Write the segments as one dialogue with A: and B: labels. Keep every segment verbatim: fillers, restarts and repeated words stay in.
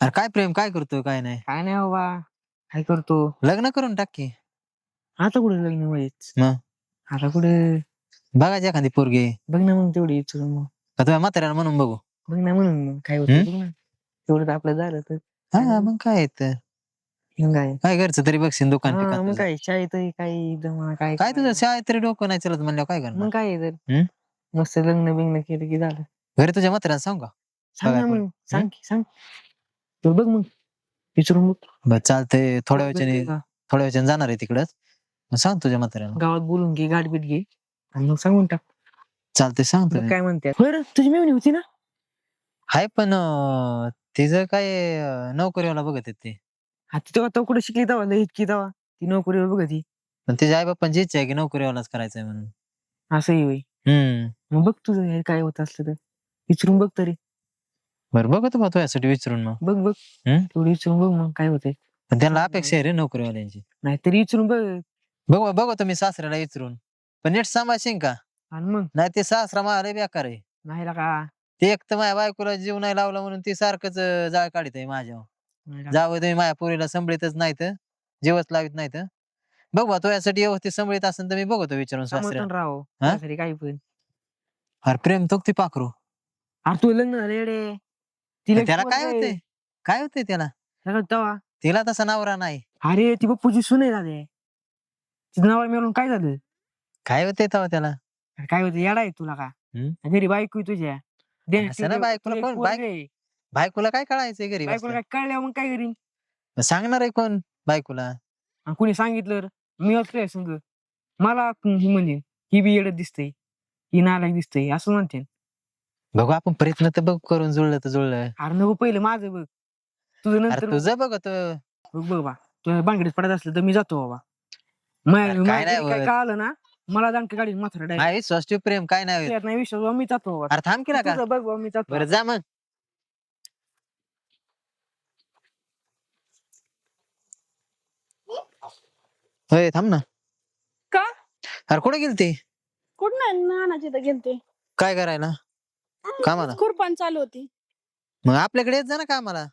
A: अरे काय प्रेम काय करतो काय नाही
B: काय नाही बाबा, काय करतो?
A: लग्न करून टाक की.
B: आता कुठे लग्न व्हायच?
A: मग
B: आता कुठे?
A: बघायची एखादी पोरगी
B: बघ ना मग तेवढी इच्छा मग.
A: का तुझ्या म्हाताऱ्याला म्हणून बघू.
B: बघ ना म्हणून मग काय
A: हम्म?
B: होतं बघ ना. तेवढं तर आपलं झालं तर
A: हा मग काय येत
B: मग काय.
A: काय घरचं तरी बघशील दुकान
B: हा
A: पिकान
B: मग
A: तुझं.
B: काय शाळेत काही जमा काय
A: काय तुझं
B: करायचं?
A: शाळेत तरी डोकं नाही चलत म्हणल्यावर काय करणार.
B: मग काय आहे तर
A: हम्म?
B: मस्त लग्न बिग्न केलं की झालं.
A: घरी तुझ्या म्हाताऱ्याला सांग का
B: सांग ना
A: बघाय
B: मग, सांग की सांग. तू बघ मग विचारून बघ.
A: बरं चालतंय थोड्या
B: गावात
A: वेळाने
B: भेटतोय का?
A: थोड्या वेळाने जाणार आहे तिकडच सांग तुझ्या म्हाताऱ्याला.
B: गावात बोलून घे, गाठ बीट घे आणि मग सांगून टाक.
A: चालतंय सांगतो
B: बघ काय म्हणते. होय रे, तुझी मेवणी होती ना?
A: हाय पण अं, तिचं काय अं, नोकरीवाला बघत आहेत ते.
B: हा ती तेव्हा तो कुठे शिकली तेव्हा लय इतकी तेव्हा ती नोकरीवर बघ ती.
A: पण तिच्या आई बाप्पांची इच्छा आहे की नोकरीवालाच करायचंय म्हणून.
B: असंही होई.
A: हम्म
B: मग बघ तुझं हे काय होत असलं तर विचारून बघ तरी.
A: बरं बघतो बा तुझ्यासाठी विचारून मग.
B: बघ बघ
A: हम्म?
B: तेवढी विचारून बघ मग काय होतंय.
A: पण त्यांना अपेक्षा आहे रे नोकरीवाल्यांची.
B: नाहीतरी विचारून बघ.
A: बघू बघतो मी सासऱ्याला विचारून पण नीट सांभाळशील का
B: आणि मग
A: नाही ते सासरा मला बेकार आहे.
B: नाही का
A: ते एक तर माझ्या बायकोला जीव नाही लावला म्हणून ती सारखंच अं, जाळ काढत आहे माझ्यावर. जावं तुम्ही माझ्या पोरीला सांभाळतच नाहीत जीवच लावित नाहीत. बघ बा तुझ्यासाठी व्यवस्थित सांभाळत असेल तर मी बघतो विचारून सासऱ्याला.
B: समर्थन राहो
A: हा?
B: त्यासाठी काही पण.
A: अरे प्रेम तो ती पाखरू
B: अरे तू लग्न झालं येडे. तिला
A: त्याला
B: पोरगं
A: काय
B: आहे.
A: होतंय काय होतंय त्याला
B: सगळं तेव्हा
A: तिला तसा नवरा नाही.
B: अरे ती बप्पूची सुने झाले. तिचं नाव मिळून काय झालं?
A: काय होतंय तेव्हा त्याला.
B: अरे काय होतं येडा आहे तुला का?
A: हम्म?
B: घरी बायको आहे तुझ्या. दे
A: असं ना बायकोला कोण बाय
B: पोरग
A: बायकोला काय कळायचंय घरी
B: बायकोला
A: बसल्या
B: काय कळल्यावर मग काय करीन?
A: सांगणार आहे कोण बायकोला.
B: आणि कुणी सांगितलं रे, मी असलोय संग मला ही म्हणजे ही बी येडत दिसतंय, ही नालायक दिसतंय असं म्हणते.
A: बघू आपण प्रयत्न तर बघ करून जुळलं तर जुळलं.
B: अरे नको पहिलं माझं बघ, तुझं
A: अरे
B: नंतर बघ.
A: तुझं बघतो
B: बघ बघ बा तुझ्या बांगडीत पडत असलं तर मी जातो बाबा. माझ्या
A: अरे काय
B: माझ्या
A: नाही
B: घरी काय
A: होत
B: कळालं ना मला दांडके गाडी माथारा डायरेक्ट.
A: नाही स्वस्त प्रेम काय नाही होत.
B: नाही विश्वास बाबा मी जातो बाबा.
A: अरे थांब केला का
B: तुझं बघ बाबा मी जातो.
A: बरं जा मग. होय थांब ना.
C: का?
A: अरे कुठे गेलती
C: कुठं नाही नानाची तर गेलते.
A: काय करायला कामाला.
C: खुरपान चालू होती.
A: मग आपल्याकडे येत जा ना कामाला.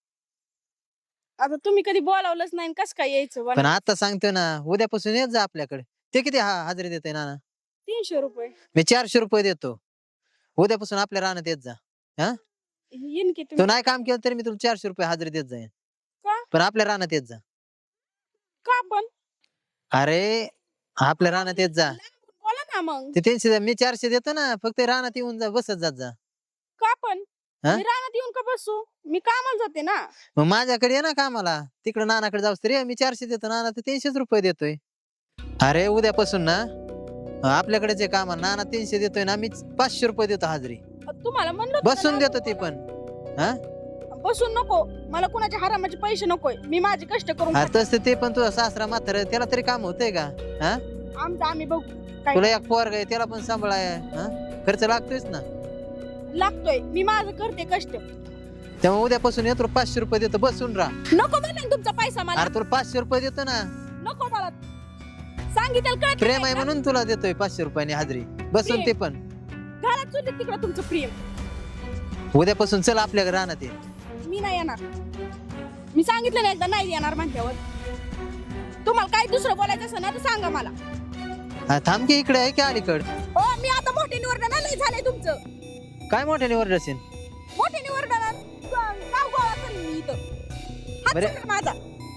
C: आता तुम्ही कधी बोलावलंच नाही कस काय यायचं
A: पण
C: बना.
A: आता सांगतो ना उद्यापासून येत जा आपल्याकडे. ते किती हा हजेरी देते नाना.
C: तीनशे रुपये
A: मी चारशे रुपये देतो उद्यापासून आपल्या रानात येत जा. हा
C: येईन की
A: तू
C: तुम्ही.
A: नाही काम केलं तरी मी तुला चारशे रुपये हजेरी देत जाईन.
C: का?
A: पण आपल्या रानात येत जा.
C: का पण?
A: अरे आपल्या रानात येत जा.
C: बोला ना मग.
A: ते तीनशे मी चारशे देतो ना फक्त रानात येऊन जा बसत जात जा.
C: का पण?
A: हा?
C: मी रानात येऊन का बसू? मी कामाला जाते ना.
A: मग माझ्याकडे ये ना कामाला तिकडे नानाकडे जाऊस तरी मी चारशे देतो नाना तर तीनशेच रुपये देतोय. अरे उद्यापासून ना आपल्याकडे जे काम नाना तीनशे देतोय ना मी पाचशे रुपये देतो हजेरी.
C: तुम्हाला म्हणलं होतं
A: बसून
C: ना,
A: देतो ते पण. हा
C: बसून नको. मला कुणाच्या हरामाचे पैसे नकोय. मी माझे कष्ट करून
A: अरे तसं ते पण तुझा सासरा म्हातारा त्याला तरी काम होतंय का. हा
C: आमचं आम्ही बघू. काय
A: तुला एक पोरग आहे त्याला पण सांभाळाय हा खर्च लागतोयच ना.
C: लागतोय मी माझं करते कष्ट.
A: तेव्हा उद्यापासून येतो पाचशे रुपये देतो बसून राहा.
C: नको म्हणा तुमचा पैसा मला.
A: अरे तुला पाचशे रुपये देतो ना
C: नको मला. सांगितलं कळत
A: प्रेम आहे म्हणून तुला देतोय पाचशे रुपयाने हजेरी बसून ते पण.
C: घरात चुलीत तिकडं तुमचं प्रेम.
A: उद्यापासून चल आपल्या रानात ये.
C: मी नाही येणार. मी सांगितलं नाही एकदा नाही येणार म्हणल्यावर. तुम्हाला काही दुसरं बोलायचं असेल ना तर सांगा मला.
A: हा, थांब की इकडे आहे की अलीकड.
C: हो मी आता मोठे निवडणं लय झालंय तुमचं.
A: काय मोठ्याने ओरडशील.
C: मोठे निवडणं गाव गोळा करीन मी इथं. हात
A: बरं.
C: सोडून माझा.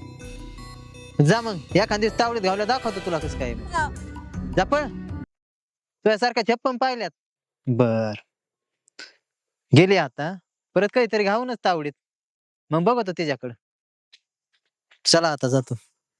A: जा मग एखाद दिवस तावडीत घावल्या दाखवतो तुला कसं काय.
C: हा.
A: जा पळ तुझ्यासारख्या छप्पन पाहिल्यात. बर गेली आता परत काहीतरी घाऊनच तावडीत मग बघतो तिच्याकडं. चला आता जातो.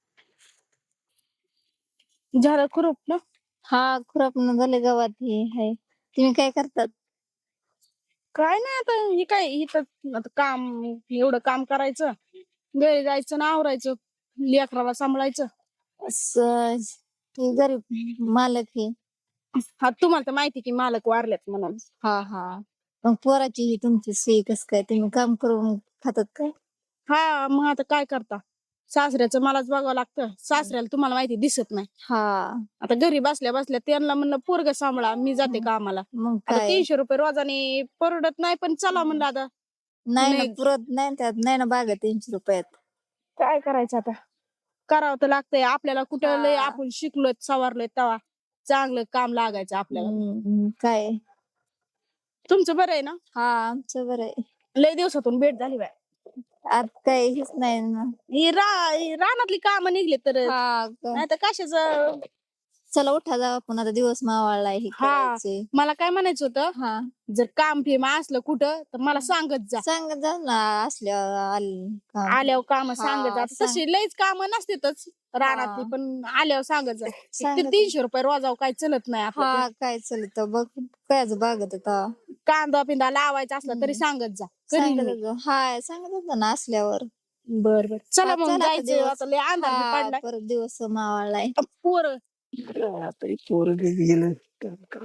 C: झालं खुरप ना.
D: हा खुरपणं झाले गवात हे हाय. तुम्ही काय करतात?
C: काय नाही आता ही काय इथं आता काम एवढं काम करायचं. घरी जायचं ना आवरायचं. लेकराला सांभाळायचं.
D: असं हे गरीब मालक हे.
C: हा तुम्हाला तर माहिती की मालक वारल्यात म्हणून.
D: हा हा मग पोराची ही तुमची सोय कस काय तुम्ही काम करून खातात काय?
C: हा मग आता काय करता. सासऱ्याचं मलाच बघावं लागतं. सासऱ्याला तुम्हाला माहिती दिसत नाही.
D: हा
C: आता घरी बसल्या बसल्या त्यांना म्हणलं पोरग सांभाळा मी जाते कामाला.
D: मग
C: आता
D: काय
C: तीनशे रुपये रोजाने परवडत नाही पण चला म्हणलं आता
D: नाही ना
C: नाही.
D: पुरत नाही त्यात नाही ना बागा तीनशे रुपयात.
C: काय करायचं आता करावं तर लागतंय आपल्याला कुठं लय
D: हा.
C: आपण शिकलोय सवारलोय तेव्हा चांगलं काम लागायचं आपल्याला
D: हम्म, काय
C: तुमचं बरं आहे ना
D: हा आमचं बरं आहे.
C: लय दिवसातून भेट झाली बाय
D: आता काय हेच नाही ना.
C: ही रा ही रानातली कामं निघली तर
D: हा का.
C: नाही तर कशाच
D: चला उठा जाऊ आपण आता दिवस मावाळलाय हे
C: हा.
D: करायचे.
C: मला काय म्हणायचं होतं
D: हा
C: जर काम फेम असलं कुठं तर मला सांगत जा
D: सांगत जा ना असल्यावर आल- काम.
C: आल्यावर काम
D: हा,
C: सांगत जा
D: सांग.
C: तशी लयच काम नसतेच रानातली
D: हा.
C: पण आल्यावर सांगत जा ते
D: सांगत जा.
C: तीनशे रुपये रोजाव काय चलत नाही आपलं
D: हा काय चालत बघ कायच बागत आता.
C: कांदा पिंदा लावायचा असला तरी
D: हम्म.
C: सांगत जा करीन मी.
D: सांगत जा. हाय सांगत होता ना असल्यावर.
C: बर बर चला
D: हा,
C: मग
D: चला आता
C: जायचं
D: दिवस.
C: आता लय अंधार बी
D: हा,
C: पडलाय
D: परत दिवस मावाळलाय.
C: पोर
B: आता हे पोरं गेलं काम करा.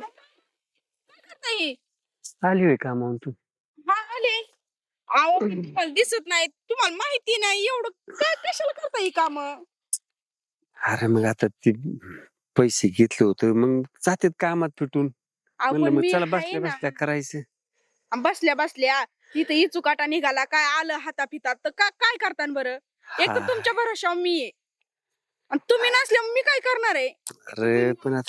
B: आली होय कामावून तू?
C: हा आले अहो पण तुम्हाला दिसत नाही तुम्हाला माहिती नाही एवढं काय कशाला करता ही काम
B: अरे मग आता ते पैसे घेतले होते मग जातात कामात पिटून. म्हणलं
C: पण
B: मग
C: मी
B: चला
C: आहे
B: बसल्या
C: ना
B: बसल्या करायचं.
C: आणि बसल्या बसल्या इथं इचुकाटा निघाला काय आलं हातापितात तर का काय करता बरं एक तर
B: हा.
C: तुमच्या भरोशावर मी आहे आणि तुम्ही नसल्यावर मी काय करणार आहे
B: अरे पण आता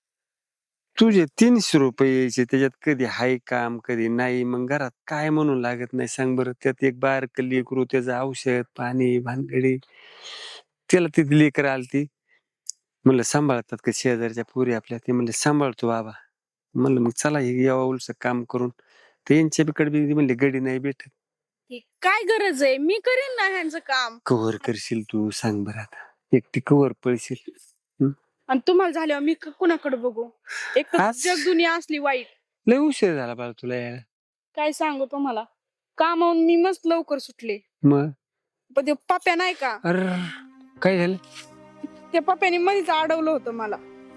B: तुझे तीनशे रुपये यायचे त्याच्यात कधी हाय काम कधी नाही मग घरात काय म्हणून लागत नाही सांग बरं त्यात एक बारक लेकरू त्याचं औषध पाणी भानगडी त्याला तिथे लेकर आलती म्हणलं सांभाळतात का शेजारच्या पुरी आपल्या ते म्हणले सांभाळतो बाबा म्हणलं मग चला हे यावं उलस काम करून ते यांच्या बिकडे बी म्हणले गडी नाही भेटत
C: हे काय गरज आहे मी करीन ना ह्यांचं काम
B: कव्हर करशील तू सांग बरं आता एकटी कव्हर पळशील
C: आणि तुम्हाला झाल्यावर मी क- कुणाकडे बघू एक तर
B: आज-
C: जग दुनिया असली वाईट
B: लय उशीर झाला बाळा तुला यायला
C: काय सांगू तुम्हाला कामावून मी मस्त लवकर सुटले
B: मग
C: पण ते पप्या नाही का
B: अरे काय झालं
C: त्या पप्याने मध्येच अडवलं होतं मला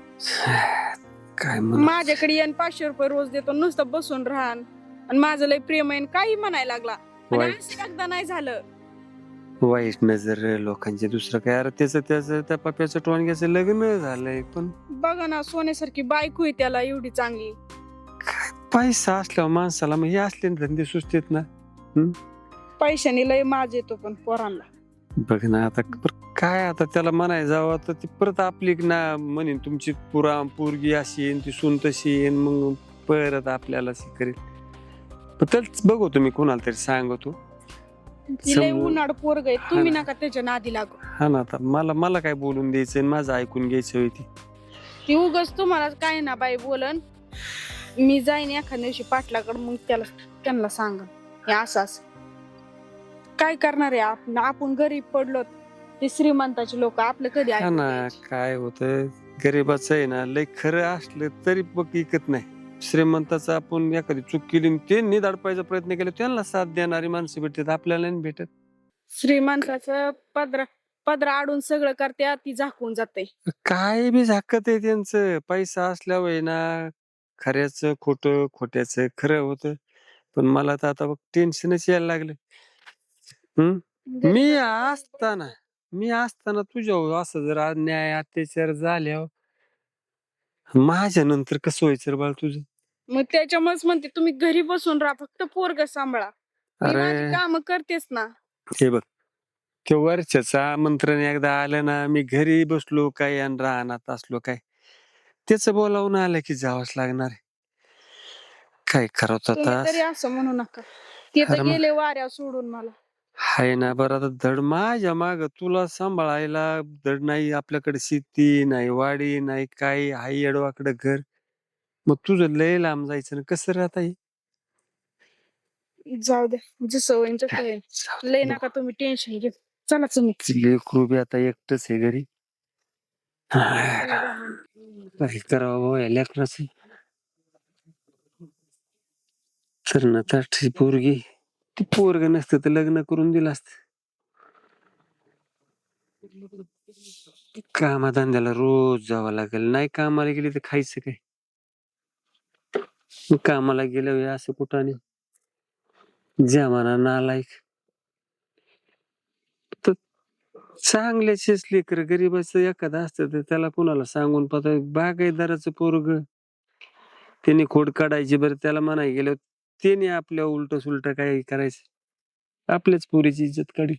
B: काय म्हणू
C: माझ्याकडे येऊन पाचशे रुपये रोज देतो नुसतं बसून राहण आणि माझं लय प्रेम आहे आणि काही म्हणायला लागला आणि
B: वाईट
C: असं एकदा नाही झालं
B: वाईट नजर लोकांचे दुसरं काय अरे त्याचं त्याचं त्या पप्याचं टोणग्याचं लग्न झालंय पण
C: बघा ना सोन्यासारखी बायको आहे त्याला एवढी चांगली
B: काय पैसा असल्यावर माणसाला मग हे असले ना धंदे सुचतेत ना
C: पैशाने लय माज येतो पण पोरांना
B: बघ ना आता पर- काय आता त्याला म्हणाय जावं तर ती परत आपली ना म्हणेन तुमची पुरा पोरगी अशी येईन ती सून तशी येईन मग परत आपल्याला अशी करेल पण त्याच बघू तुम्ही कोणाला तरी सांगतो
C: ती लय
B: समजून-
C: उन्हाळ पोरग आहे तुम्ही
B: हा ना.
C: नका त्याच्या नादी लागू
B: हा ना आता मला मला काय बोलून द्यायचं आणि माझं ऐकून घ्यायचं होती
C: ती उगच तुम्हाला काय ना बाई बोलन मी जाईन एखाद्या दिवशी पाटलाकडे मग त्याला त्यांना सांग हे असं असं काय करणार आहे आपण आपण गरीब पडलो ते श्रीमंताचे लोक आपलं कधी
B: हा
C: ऐकून
B: ना
C: घ्यायचे?
B: काय होतं गरीबाचं आहे ना लय खरं असलं तरी बघ इकत नाही श्रीमंताचं आपण एखादी चूक केली आणि त्यांनी दडपायचा प्रयत्न केला त्यांना साथ देणारी माणसं भेटतात आपल्याला नाही भेटत
C: श्रीमंताचं पदर पदर आडून सगळं करते ती झाकून जाते
B: काय बी झाकत आहे त्यांचं पैसा असल्यावर आहे ना खऱ्याचं खोटं खोट्याचं खरं होतं पण मला तर आता बघ टेन्शनच यायला लागलं हम्म मी असताना मी असताना तुझ्या असं जर अन्याय अत्याचार झाल्यावर माझ्या नंतर कसं व्हायचं रे बाळ तुझं
C: मग त्याच्यामुळेच म्हणते तुम्ही घरी बसून राहा फक्त पोरग सांभाळा मी माझी
B: अरे
C: काम करतेच ना
B: हे बघ ते वर्षाचं आमंत्रण एकदा आलं ना मी घरी बसलो काय आणि राहणार असलो काय त्याच बोलावून आलं की जावंच लागणार आहे. काय करावं
C: तुम्ही
B: आता
C: तरी असं म्हणू नका ते तर
B: अरे मग-
C: गेले वाऱ्या सोडून मला
B: हाय ना बरं आता धड माझ्या माग तुला सांभाळायला धड नाही आपल्याकडे शेती नाही वाडी नाही काही हाय येडवाकडे घर मग तुझं लय लांब जायचं ना कसं राहता येईल
C: जाऊ द्या जसं होईन तसं होईन लय नका तुम्ही टेन्शन घेऊ चला तुम्ही
B: लेकरू बी आता एकटच आहे घरी काय करावं भाऊ या लेकराचं तर ना तर पोरगी ती पोरग नसतं तर लग्न करून दिलं असत कामाधंद्याला रोज जावं लागेल नाही कामाला गेली तर खायचं काय मग कामाला गेलं असं कुठं नाही जमाना नालायक तर चांगल्याचेच लेकर गरीबाचं एखादं असतं तर त्याला कुणाला सांगून पाहता बागायतदाराचं पोरग त्याने खोड काढायची बरं त्याला म्हणाय गेलं त्याने आपल्या उलट सुलट काय करायचं आपल्याच पोरीची इज्जत काढी.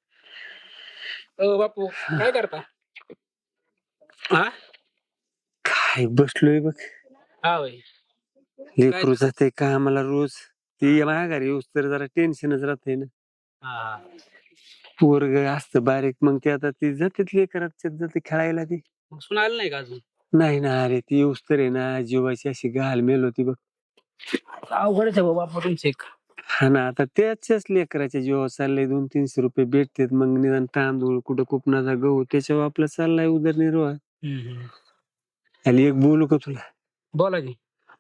E: अ बापू काय करता? हा
B: काय बसलोय बघ.
E: हा होय.
B: लेकरू जाते कामाला रोज. ती माघारी येऊस तर जरा टेन्शनच राहते ना.
E: हा
B: पोरग असतं बारीक, मग ते आता ती जाते लेकरात जाते खेळायला ती.
E: मग सुनायला नाही का अजून?
B: नाही ना अरे, ती येऊस तर आहे ना जीवाची अशी घाल मेल होती बघ.
E: अवघडच आहे बाबा तुमचे एक.
B: हा ना, आता त्याच्याच लेकराच्या जीवावर चाललंय. दोन तीनशे रुपये भेटतात, मग निदान तांदूळ कुठं कुपनाचा गहू त्याच्यावर आपला चाललाय उदरनिर्वाह. आणि एक बोलू का तुला?
E: बोला की.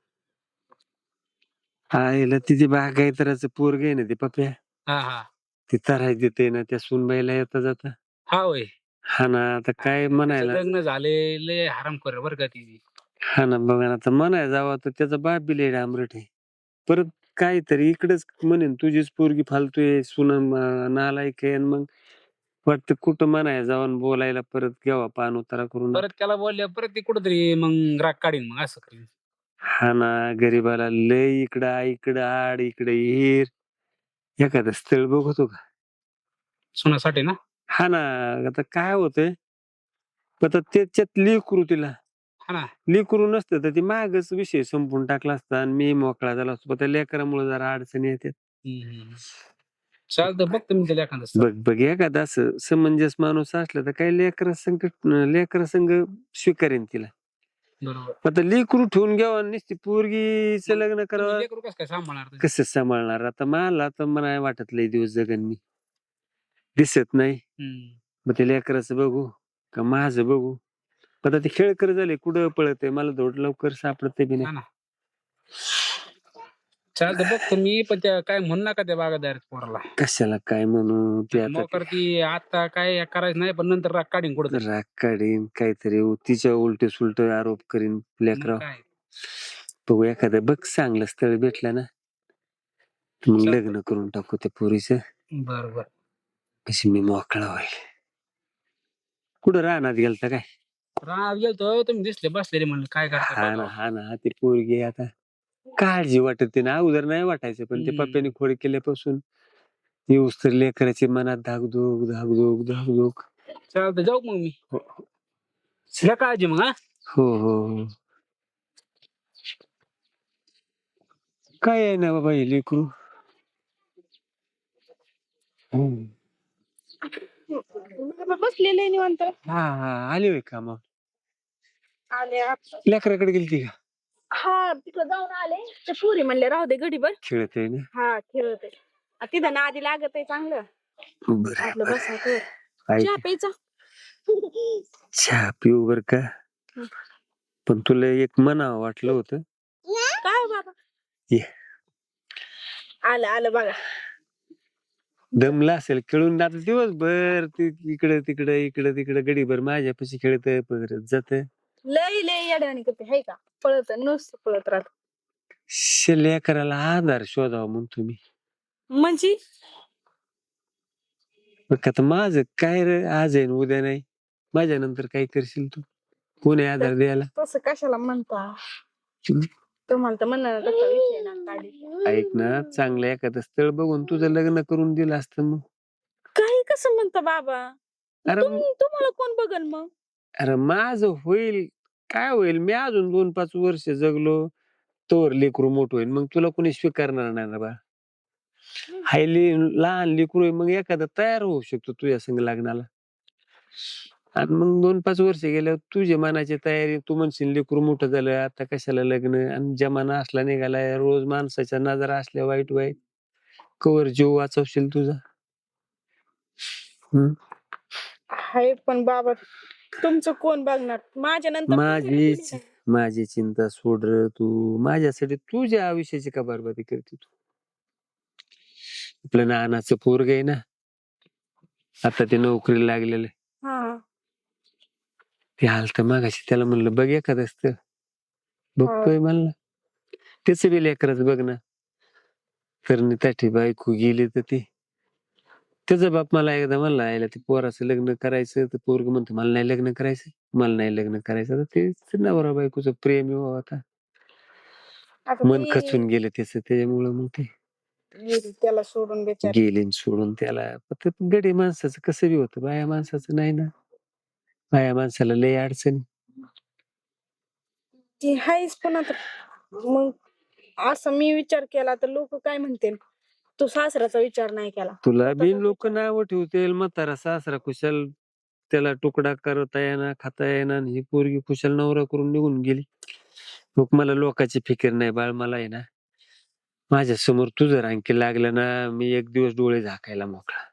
B: आईला तिची बागायतराचं पोरग आहे ना ते पप्या,
E: हा हा
B: ती तराय देते ना त्या सुनबाईला येता जाता.
E: हा होय.
B: हा ना, आता काय
E: त्याचं
B: म्हणायला.
E: लग्न झाले लय हराम कर बर का ती.
B: हा ना, बघा ना, आता म्हणाय जावं तर त्याचा बाप बी लय डांबरट आहे. परत काहीतरी इकडेच म्हणेन तुझीच पोरगी फालतूय, सुन नालायक आहे. आणि मग वाटतं कुठं म्हणाय जावं बोलायला परत घ्यावा पान उतारा करून.
E: परत त्याला बोलल्या परत ती कुठतरी मग राग काढीन मग असं करीन.
B: हा ना, गरीबाला लय इकडं इकडं आड इकडे हिर. एखादं स्थळ बघतो का?
E: सुनासाठी ना.
B: हा ना, आता काय होतंय, आता त्याच्यात लेकरू तिला
E: हा ना.
B: लेकरू नसतं तर ती मागच विषय संपून टाकला असता आणि मी मोकळा झाला असतो. पण त्या लेकरामुळे जरा अडचणी येतात.
E: चालतं बघ तुम्ही त्याला एखादं स्थळ.
B: बघ बघ एखादा असं समंजस माणूस असला तर काही लेकरा संग लेकरा संग स्वीकारेन तिला.
E: बरोबर.
B: आता लेकरू ठेवून घ्यावं आणि नुसती पोरगीचं लग्न
E: तुम्ही
B: करावं,
E: लेकरू कसं काय सांभाळणार ते?
B: कसं सांभाळणार? आता मला तर मला वाटत लय दिवस जगन मी, दिसत नाही.
E: हम्म.
B: मग ते लेकराचं बघू का माझं बघू? आता ते खेळकर झाले, कुठं पळत मला धोड लवकर सापडते बी
E: हा
B: नाही.
E: ना. चालतं बघ तुम्ही, पण त्या काय म्हणू नका त्या बागादार पोराला.
B: कशाला काय म्हणू ते आता
E: मोकर ती आता काय करायचं नाही, पण नंतर राग काढीन कुठं
B: ते राग काढीन काहीतरी तिच्या उलटे सुलट आरोप करीन लेकराव.
E: काय.
B: बघू एखादं बघ चांगलं स्थळ भेटलं ना, मग
E: चालतंय.
B: लग्न करून टाकू त्या पोरीचं.
E: बरोबर.
B: कशी मी मोकळा होईल. कुठं राहणार गेलता काय?
E: राग गेलतो तुम्ही दिसले बसलेले म्हणलं काय करता
B: हा ना
E: बघावं.
B: हा ना, ती पोरगी आता काळजी वाटत ना, अगोदर नाही वाटायचं, पण ते
E: हम्म.
B: पप्प्याने खोड केल्यापासून येऊस तर लेकराची मनात धाकधूक धाकधूक धाकधूक.
E: चालतं जाऊ मग मी.
B: हो
E: घ्या काळजी मग. हा
B: हो हो. काय आहे ना बाबा हे लेकरू. हम्म.
C: बसलेले निवांत.
B: हा हा, आली होय का मग?
C: आले आता.
B: लेकराकडे गेलती का?
C: हा तिकडे जाऊन आले. ते पुरी म्हणले राहू दे घडीभर.
B: खेळत आहे ना.
C: हा खेळत आहे. तिथं ना आधी लागत आहे चांगलं.
B: बरं
C: आपलं
B: बरं.
C: बसायचं.
B: ऐक,
C: चहा प्यायचा.
B: चहा पिऊ बर का, पण तुला एक म्हणावं वाटलं होतं.
C: काय बाबा?
B: ये.
C: आलं आलं बघा.
B: दमला असेल खेळून, आता दिवसभर इकडे तिकडे इकडे तिकडे गडीभर माझ्यापाशी खेळत परत जात.
C: लय लय येड्यावानी करते हाय का? पळत नुसतं पळत राहत.
B: लेकराला आधार शोधावा म्हणतो मी.
C: म्हणजे
B: बघ आता माझं काय रे, आज आहे न उद्या नाही. माझ्या नंतर काय करशील तू? कोण आहे आधार द्यायला?
C: तसं कशाला म्हणता? तुम्हाला तर म्हणणार तसा विषय ना काढी.
B: ऐक ना, चांगलं एखादं स्थळ बघून तुझं लग्न करून दिलं असतं मग.
C: काही कसं म्हणता बाबा?
B: अरे
C: तुम- तुम्हाला कोण बघल मग?
B: अरे माझं होईल, काय होईल? मी अजून दोन पाच वर्ष जगलो तोवर लेकरू मोठं होईल, मग तुला कोणी स्वीकारणार नाही ना बा. हायली लहान लेकरू आहे, मग एखादा तयार होऊ शकतो तुझ्या संग लग्नाला. आणि मग दोन पाच वर्ष गेल्यावर तुझ्या मनाची तयारी, तू म्हणशील लेकरू मोठं झालं आता कशाला लग्न, आणि जमाना असला निघालाय, रोज माणसाच्या नजरा असल्या वाईट वाईट, कवर जीव वाचवशील तुझा. हम्म.
C: हाय पण बाबा तुमचं कोण बघणार? माझ्या नंतर
B: माझी माझी चिंता सोड रे तू, माझ्यासाठी तुझ्या आयुष्याची का बरबादी करते तू? आपलं नानाचं पोरग आहे ना, आता ते नोकरीला लागलेलं आहे.
C: हा
B: ते आलत मागाशी, त्याला म्हणलं बघ एखादं स्थळ. बघतोय म्हणलं, त्याच बी लेकरच बघ ना. तर त्याची बायको गेली तर ती, त्याचा बाप मला एकदा म्हणला यायला ते पोराचं लग्न करायचं, तर पोरग म्हणतो मला नाही लग्न करायचं, मला नाही लग्न करायचं. तर ते नवरा बायकोचं प्रेम आहे आता,
C: आता
B: मन
C: ती-
B: खचून गेलं त्याच, त्याच्यामुळं मग ते
C: गेली त्याला सोडून बेचारी.
B: गेली न सोडून त्याला. पण ते गडी माणसाचं कसं बी होतं, बाया माणसाचं नाही ना. बाया माणसाला लय अडचणी.
C: ती हायच पण आता मग असं मी विचार केला तर लोक काय म्हणतील, तू सासऱ्याचा विचार नाही केला.
B: तुला
C: स्वतःचाच
B: बिन लोक
C: विचार.
B: नाव ठेवतील, म्हातारा सासरा कुशल त्याला तुकडा करता येणार, खाता येणार. ही पोरगी कुशल नवरा करून निघून गेली. मग मला लोकांची फिकीर नाही बाळ. मला आहे ना, माझ्या समोर तुझं रांकी लागलं ना, मी एक दिवस डोळे झाकायला मोकळा.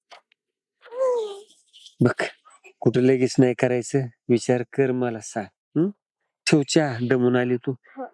B: बघ, कुठं लगेच नाही करायचं, विचार कर, मला सांग. हं? ठेव चहा, दमून आली तू.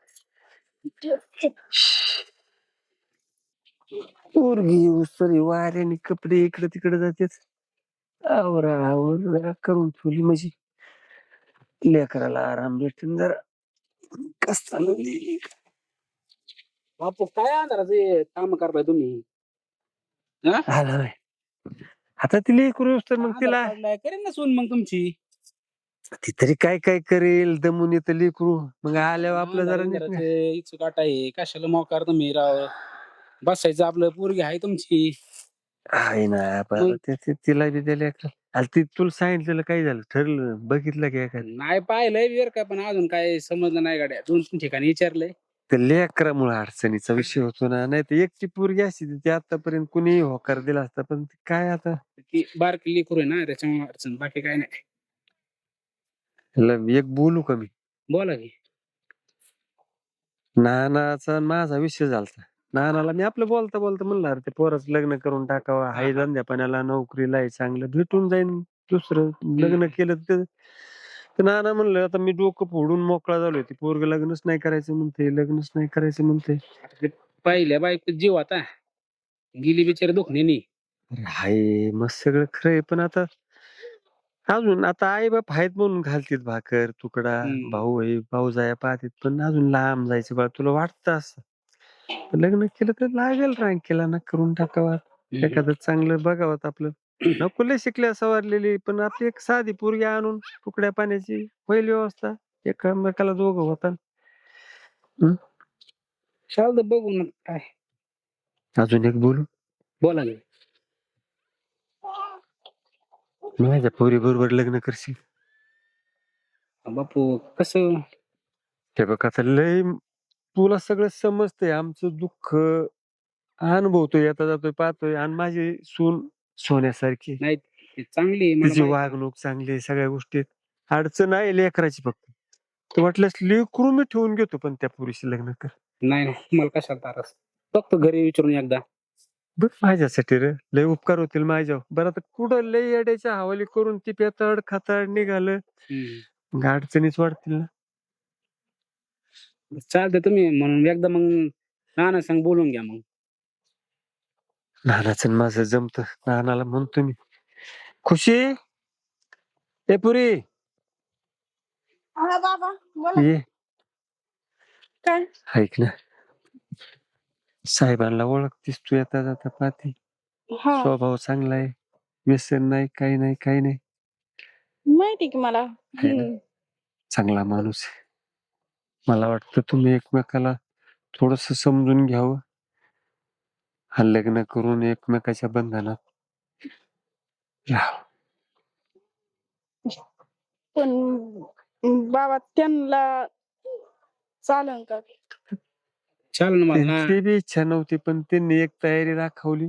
B: पोरगी सरी वाऱ्याने कपडे इकडे तिकडे जातेच. आवरा आवर करून ठेवली म्हणजे लेकराला आराम भेटून जरा. कस चालली
E: बापू काय अंधाराचे काम करताय तुम्ही? हा?
B: आला बाय. आता ती लेकरू तर मग
E: अंधार
B: तिला
E: पडलाय, करेन ना सून मग तुमची.
B: ती तरी काय काय करेल, दमून येतं लेकरू. मग आल्यावर आपलं जरा नीट नाही.
E: अंधाराचे इच्छू काटा आहे, कशाला मोकार तुम्ही राव. बसायचं आपलं, पोरगी आहे तुमची.
B: आहे ना
E: मग?
B: बरं, ते- ते- तिला बी दिल्या ती तुला सांगितलेलं काय झालं, ठरलं बघितलं की एखादं.
E: नाही पाहिलंय वेर का, पण अजून काय समजलं नाही गाड्या. दोन तीन ठिकाणी विचारलंय.
B: ते लेकरामुळे अडचणीचा विषय होतो ना. नाही तर एकटी पोरगी असती ती आतापर्यंत कुणीही होकार दिला असता. पण ते काय आता
E: ती बारकी लेकरू आहे ना, त्याच्यामुळे अडचण, बाकी काय नाही.
B: ह्याला एक बोलू का मी?
E: बोला की.
B: नानाचा आणि माझा विषय झालता. नानाला मी आपलं बोलता बोलता म्हणलं, अरे ते पोराचं लग्न करून टाकावं, हाय
E: हा.
B: धंद्या पाण्याला नोकरीला आहे, चांगलं भेटून जाईन दुसरं लग्न
E: हम्म.
B: केलं तर. तर नाना म्हणलं, आता मी डोकं फोडून मोकळा झालोय, ते पोरग लग्नच नाही करायचं म्हणते, लग्नच नाही करायचं म्हणते.
E: आता ते पहिल्या बायको जीव आता गेली बिचारी दुखण्यानी.
B: अरे हाय मग सगळं खरंय, पण आता अजून आता आई बाप आहेत म्हणून घालतीत भाकर तुकडा,
E: हम्म.
B: भाऊ आहे भाऊ जाया पाहतीत, पण अजून लांब जायचं बा. तुला वाटतं असं तर लग्न केलं तर लागेल रांकेला ना, करून टाकावा एखादं चांगलं बघावं आपलं. नको लय शिकल्या सवारलेली, पण आपली एक साधी पोरगी आणून तुकड्या पाण्याची होईल व्यवस्था, एकामेकाला दोघं होता.
E: चालतं, बघू ना काय.
B: अजून एक बोलू,
E: बोला की.
B: माझ्या पोरी बरोबर लग्न करशील?
E: बापू कसं?
B: हे बघ आता लय तुला सगळं समजतंय, आमचं दुःख अनुभवतोय, येता जातोय पाहतोय. आणि माझी सून सोन्यासारखी,
E: नाही ती चांगली आहे, मला
B: तिची
E: माहिती आहे.
B: वागणूक चांगली आहे, सगळ्या गोष्टीत अडचण आहे लेकराची फक्त. तर वाटल्यास लेकरू मी ठेवून घेतो, पण त्या पुरीशी लग्न कर.
E: नाही नाही, मला कशाला तारस. फक्त घरी विचारून एकदा.
B: बघ माझ्यासाठी रे लय उपकार होतील माझ्यावर. बरं आता कुठं लय येड्याच्या हवाली करून ती पेताड खाताड निघालं,
E: हम्म.
B: मग अडचणीच वाढतील ना.
E: चालतंय, तुम्ही म्हणून एकदा मग नाना सांग बोलून घ्या मग.
B: नानाचं आणि माझं जमत. नानाला म्हणतो मी, खुशी ए पुरी
C: हा बाबा बोला.
B: ये.
C: काय?
B: ऐक ना, साहेबांना ओळखतीस तू, येता जाता पाहते,
C: हा
B: स्वभाव चांगला आहे, व्यसन नाही, काही नाही काही नाही,
C: माहिती की मला.
B: आहे ना?
C: हम्म.
B: चांगला माणूस आहे. मला वाटतं तुम्ही एकमेकाला थोडस समजून घ्यावं, हा लग्न करून एकमेकाच्या बंधनात राहावं.
C: पण बाबा त्यांना चालन का?
E: चाल ना मला.
B: त्यांची बी इच्छा नव्हती, पण त्यांनी एक तयारी दाखवली.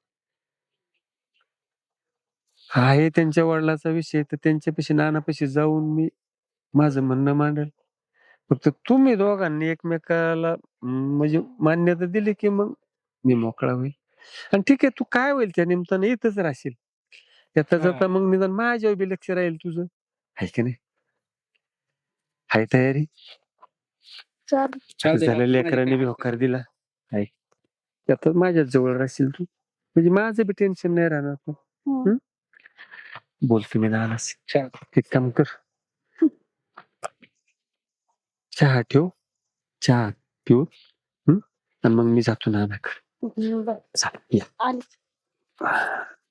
B: आहे त्यांच्या वडिलाचा विषय, तर त्यांच्यापाशी नानापाशी जाऊन मी माझं म्हणणं मांडल. फक्त तुम्ही दोघांनी एकमेकाला अं, म्हणजे मान्यता दिली की मग मी मोकळा होईल. आणि ठीक आहे, तू काय होईल त्या निमित्तानं इथंच राहशील, येता
E: हा.
B: जाता मग निदान माझ्यावर बी लक्ष राहील तुझं, आहे की नाही? हाय तयारी?
C: चाल.
E: चालतंय
B: झालं,
E: बाबा,
B: लेकरांनी
E: माझी
B: बी
E: काय
B: होकार दिला. आहे आता माझ्याच जवळ राहशील तू, म्हणजे माझं बी टेन्शन नाही राहणार. पण
C: हम्म.
B: बोलतो मी नानाशी.
E: चाल-
B: एक काम कर, चहा ठेव, चहा पिऊ, हम्म? आणि मग मी जातो नानाकडे.
C: बरं.
B: चालेल, या.
C: आली.